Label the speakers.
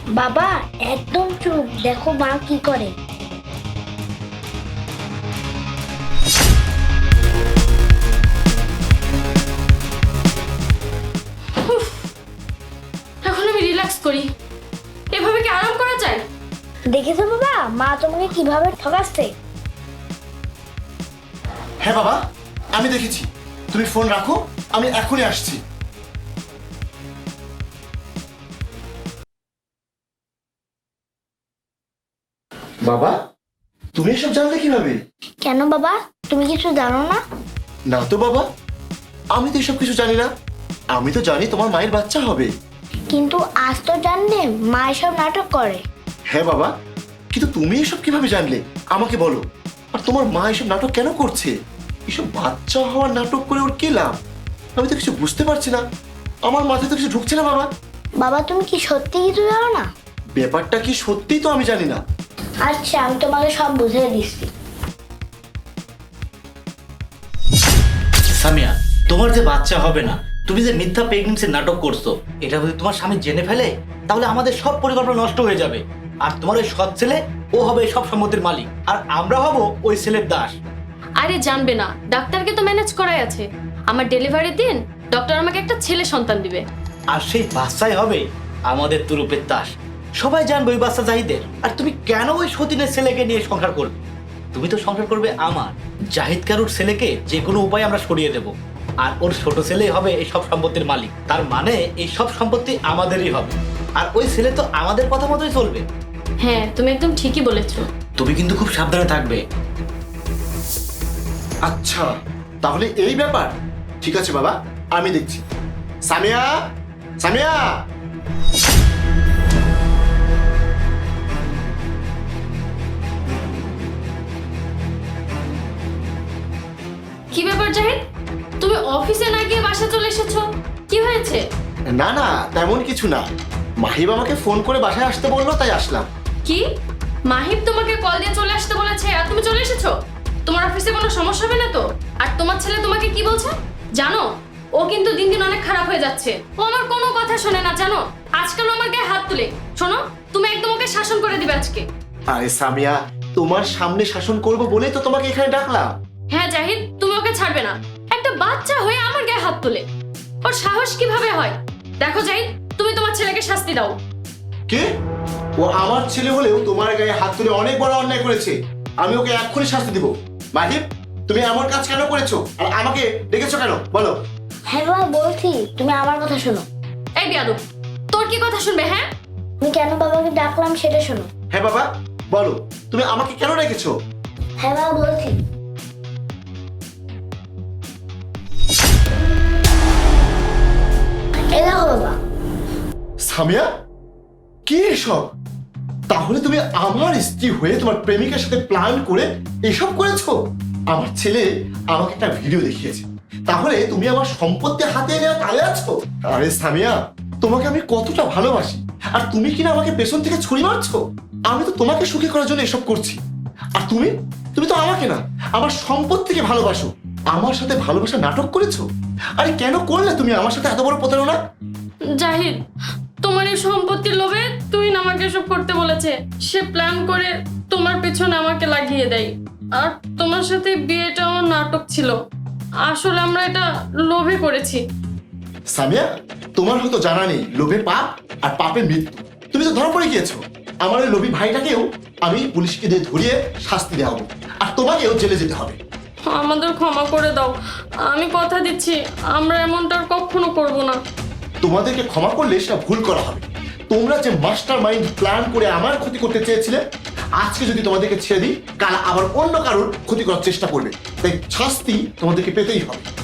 Speaker 1: বাবা একদম চুপ, দেখো মা কি করে।
Speaker 2: এখন আমি রিল্যাক্স করি। এভাবে কি আরাম করা যায়?
Speaker 1: দেখেছো বাবা মা তোমাকে কিভাবে ঠকাচ্ছে।
Speaker 3: হ্যাঁ বাবা, আমি দেখেছি। তুমি ফোন রাখো, আমি এখনই আসছি। বাবা, তুমি এসব জানলে কিভাবে?
Speaker 1: কেন বাবা, তুমি কিছু জানো না?
Speaker 3: না তো বাবা, আমি তো এসব কিছু জানি না। আমি তো জানি তোমার মায়ের বাচ্চা হবে।
Speaker 1: কিন্তু আজ তো জানলে মা এসব নাটক করে।
Speaker 3: হ্যাঁ বাবা, কিন্তু তুমি এসব কিভাবে জানলে আমাকে বলো। আর তোমার মা এসব নাটক কেন করছে? এসব বাচ্চা হওয়ার নাটক করে ওর কি লাভ? আমি তো কিছু বুঝতে পারছি না। আমার মাথায় তো কিছু ঢুকছে না বাবা।
Speaker 1: বাবা তুমি কি সত্যি কিছু জানো না?
Speaker 3: ব্যাপারটা কি সত্যি তো আমি জানি না।
Speaker 1: আচ্ছা আমি তোমাকে সব বুঝিয়ে দিচ্ছি।
Speaker 4: সামিয়া, তোমার যে বাচ্চা হবে না, তুমি যে মিথ্যা প্রেগন্যান্সির নাটক করছো, এটা যদি তোমার স্বামী জেনে ফেলে তাহলে আমাদের সব পরিকল্পনা নষ্ট হয়ে যাবে। আর তোমার ওই সৎ ছেলে, ও হবে এই সব সম্পত্তির মালিক, আর আমরা হব ওই ছেলের দাস।
Speaker 2: আরে জানবে না, ডাক্তারকে তো ম্যানেজ করাই আছে। আমার ডেলিভারির দিন ডক্টর আমাকে একটা ছেলে সন্তান দিবে।
Speaker 4: আর সেই বাচ্চাই হবে আমাদের তুরুপের দাস। সবাই জানবে ওই বাচ্চা জাহিদের। আর তুমি কেন ওই সতীনের ছেলেকে নিয়ে সংসার করবে? তুমি তো সংসার করবে আমার জাহিদ কারুর ছেলেকে যে কোনো উপায়ে আমরা সরিয়ে দেব। আর ওর ছোট ছেলেই হবে এই সব সম্পত্তির মালিক। তার মানে এই সব সম্পত্তি আমাদেরই হবে। আর ওই ছেলে তো আমাদের কথা মতোই চলবে।
Speaker 2: হ্যাঁ, তুমি একদম ঠিকই বলেছো।
Speaker 4: তুমি কিন্তু খুব সাবধানে থাকবে।
Speaker 3: আচ্ছা, তাহলে এই ব্যাপার। ঠিক আছে বাবা, আমি দেখছি। সামিয়া, সামিয়া।
Speaker 2: কি ব্যাপার জাহিদ, তুমি অফিসে না গিয়ে বাসা চলে এসেছো? কি হয়েছে?
Speaker 3: না না, তেমন কিছু না। মাহিব আমাকে ফোন করে বাসায় আসতে বললো, তাই আসলাম।
Speaker 2: কি, মাহিব তোমাকে কল দিয়ে চলে আসতে বলেছে আর তুমি চলে এসেছো? তোমার অফিসে কোনো সমস্যা হবে না তো? আর তোমার ছেলে তোমাকে কি বলছে জানো? ও কিন্তু দিন দিন অনেক খারাপ হয়ে যাচ্ছে। ও আমার কোনো কথা শোনে না জানো। আজকাল আমার গায়ে হাত তুলে। শোনো, তুমি একদম ওকে শাসন করে দিবে আজকে।
Speaker 3: আরে সামিয়া, তোমার সামনে শাসন করবো বলেই তো তোমাকে এখানে ডাকলাম।
Speaker 2: হ্যাঁ জাহিদ, তুমি ওকে ছাড়বে না। একটা বাচ্চা হয়ে আমার গায়ে হাত তুলে। ওর সাহস কিভাবে হয়? দেখো জাহিদ, তুমি তোমার ছেলেকে শাস্তি দাও।
Speaker 3: কে? ও আমার ছেলে হলেও তোমার গায়ে হাত তুলে অনেক বড় অন্যায় করেছে। আমি ওকে এক্ষুনি শাস্তি দিব। মাহিব, তুমি এমন কাজ কেন করেছো আর আমাকে ডেকেছো কেন বলো?
Speaker 1: হ্যাঁ বাবা বলছি, তুমি আমার কথা শোনো।
Speaker 2: এই বিয়াদব, তোর কি কথা শুনবে? হ্যাঁ,
Speaker 1: আমি কেন বাবাকে ডাকলাম সেটা শোনো।
Speaker 3: হ্যাঁ বাবা, বলো তুমি আমাকে কেন ডেকেছো?
Speaker 1: হ্যাঁ বাবা বলছি। এই দেখো বাবা।
Speaker 3: সামিয়া, কি এসব? তাহলে তুমি আমার স্ত্রী হয়ে তোমার প্রেমিকের সাথে প্ল্যান করে এসব করেছো? আমার ছেলে আমাকে একটা ভিডিও দেখিয়েছে, তাহলে তুমি আমার সম্পত্তি হাতে নেওয়া তালে আছো? আরে সামিয়া, তোমাকে আমি কতটা ভালোবাসি, আর তুমি কিনা আমাকে পেছন থেকে ছুরি মারছো। আমি তো তোমাকে সুখী করার জন্য এসব করছি। আর তুমি তুমি তো আমাকে না, আমার সম্পত্তিকে ভালোবাসো। আমার সাথে ভালোবাসা নাটক করেছো। আরে কেন করলে তুমি আমার সাথে এত বড় প্রতারণা?
Speaker 2: জাহিদ, তোমার এই সম্পত্তির লোভে তুই না আমাকে এসব করতে বলেছে। সে প্ল্যান করে তোমার পেছনে আমাকে লাগিয়ে দেয়। আর তোমার সাথে বিয়েটাও নাটক ছিল। আসলে আমরা এটা লোভে করেছি।
Speaker 3: সামিয়া, তোমার হয়তো জানা নেই লোভে পাপ আর পাপের মৃত্যু। তুমি তো ধরা পড়ে গিয়েছো। আমার ওই লোভী ভাইটাকেও আমি পুলিশকে দিয়ে ধরিয়ে শাস্তি দেওয়া হবে, আর তোমাকেও জেলে যেতে হবে।
Speaker 2: আমাদের ক্ষমা করে দাও। আমি কথা দিচ্ছি আমরা এমনটা আর কখনো করব না।
Speaker 3: তোমাদেরকে ক্ষমা করলে সেটা ভুল করা হবে। তোমরা যে মাস্টার মাইন্ড প্ল্যান করে আমার ক্ষতি করতে চেয়েছিলে, আজকে যদি তোমাদেরকে ছেড়ে দিই, কাল আবার অন্য কারোর ক্ষতি করার চেষ্টা করবে। তাই শাস্তি তোমাদেরকে পেতেই হবে।